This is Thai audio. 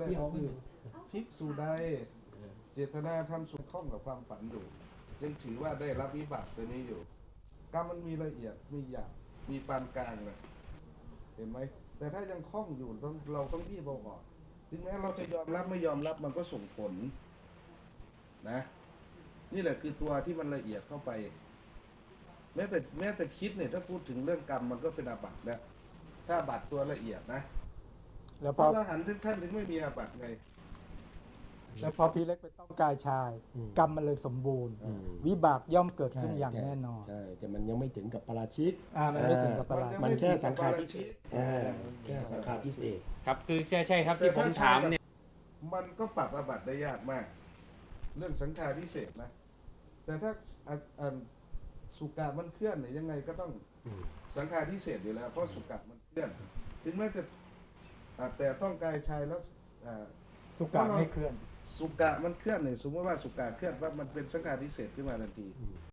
ได้ก็คือภิกษุใดเจตนาทำสุขข้องกับความฝันอยู่ยังถือว่าได้รับวิบากตัวนี้อยู่กรรมมันมีละเอียดมีหยาบมีปานกลางนะเห็นไหมแต่ถ้ายังคล่องอยู่เราต้องรีบเอาออกถึงแม้เราจะยอมรับไม่ยอมรับมันก็ส่งผลนะนี่แหละคือตัวที่มันละเอียดเข้าไปแม้แต่คิดเนี่ยถ้าพูดถึงเรื่องกรรมมันก็เป็นอาบัติแล้วถ้าอาบัติตัวละเอียดนะแล้วพพอระอรหันต์ทุกท่านถึงไม่มีอาบัติไงแล้วพอพี่เล็กไปต้องกายชาย กรรมมันเลยสมบูรณ์ วิบากย่อมเกิดขึ้นอย่างแน่นอนใช่แต่มันยังไม่ถึงกับปราชิกมันไม่ถึงกับปราชิกมันแค่สังขารทิเศษแค่สังขารทิเศษครับคือใช่ครับที่ผมถามเนี่ยมันก็ปรับอาบัติได้ยากมาก เรื่องสังขารพิเศษนะ แต่ถ้าสุกะมันเคลื่อนเนี่ยยังไงก็ต้องสังขารพิเศษอยู่แล้ว เพราะสุกะมันเคลื่อน ถึงแม้จะแต่ต้องกายชายแล้วสุกะไม่เคลื่อนสุกะมันเคลื่อนเนี่ยสมมติว่าสุกะเคลื่อนว่ามันเป็นสังขารพิเศษขึ้นมาทันที